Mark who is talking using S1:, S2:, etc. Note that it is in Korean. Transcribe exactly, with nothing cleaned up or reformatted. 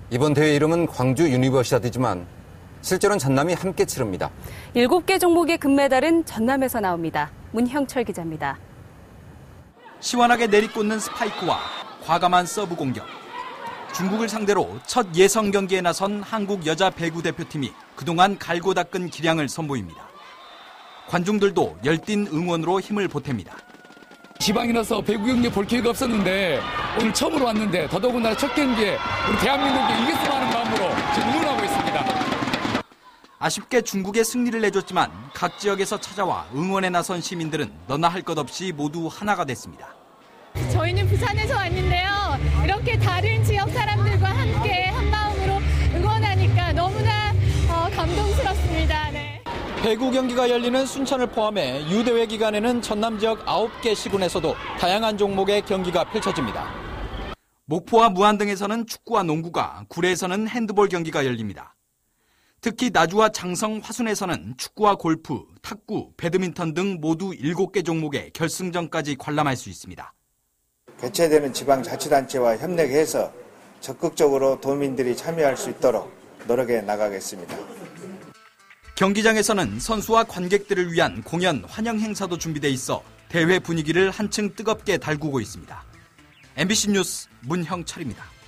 S1: 이번 대회 이름은 광주 유니버시아드지만 실제로는 전남이 함께 치릅니다.
S2: 일곱 개 종목의 금메달은 전남에서 나옵니다. 문형철 기자입니다.
S3: 시원하게 내리꽂는 스파이크와 과감한 서브 공격. 중국을 상대로 첫 예선 경기에 나선 한국 여자 배구 대표팀이 그동안 갈고 닦은 기량을 선보입니다. 관중들도 열띤 응원으로 힘을 보탭니다.
S4: 지방이라서 배구 경기 볼 기회가 없었는데 오늘 처음으로 왔는데 더더군다나 첫 경기에 우리 대한민국이 이겼으면 하는 마음으로 지금 응원하고 있습니다.
S3: 아쉽게 중국에 승리를 내줬지만 각 지역에서 찾아와 응원에 나선 시민들은 너나 할 것 없이 모두 하나가 됐습니다.
S5: 저희는 부산에서 왔는데요. 이렇게 다른 지역 사람들과 함께 한 마음으로 응원하니까 너무나 어, 감동스럽습니다. 네.
S6: 배구 경기가 열리는 순천을 포함해 유대회 기간에는 전남 지역 아홉 개 시군에서도 다양한 종목의 경기가 펼쳐집니다.
S3: 목포와 무안 등에서는 축구와 농구가, 구례에서는 핸드볼 경기가 열립니다. 특히 나주와 장성, 화순에서는 축구와 골프, 탁구, 배드민턴 등 모두 일곱 개 종목의 결승전까지 관람할 수 있습니다.
S7: 개최되는 지방자치단체와 협력해서 적극적으로 도민들이 참여할 수 있도록 노력해 나가겠습니다.
S3: 경기장에서는 선수와 관객들을 위한 공연, 환영 행사도 준비돼 있어 대회 분위기를 한층 뜨겁게 달구고 있습니다. 엠비씨 뉴스 문형철입니다.